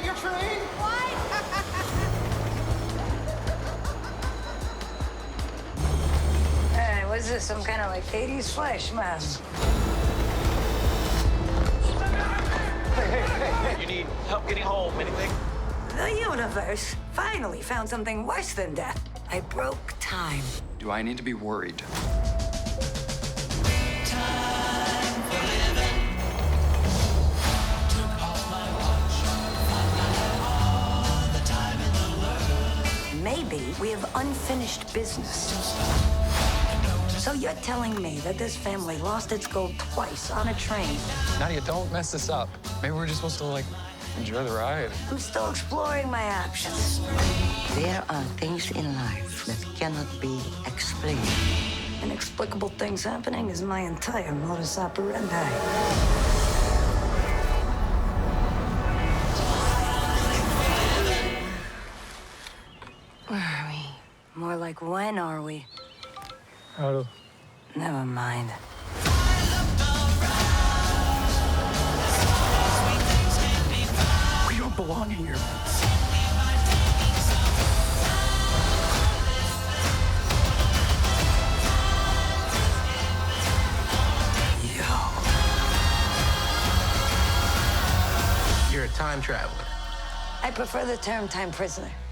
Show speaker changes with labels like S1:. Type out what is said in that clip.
S1: your train?
S2: What?
S3: Hey, what's this? Some kind of like 80s flash mob?
S1: You need help getting home, anything?
S3: The universe finally found something worse than death. I broke time.
S4: Do I need to be worried?
S3: Maybe we have unfinished business. So you're telling me that this family lost its gold twice on a train?
S4: Nadia, don't mess this up. Maybe we're just supposed to, enjoy the ride.
S3: I'm still exploring my options.
S5: There are things in life that cannot be explained.
S3: Inexplicable things happening is my entire modus operandi. Where are we? More like, when are we? Never mind.
S4: We don't belong here.
S1: You're a time traveler.
S3: I prefer the term time prisoner.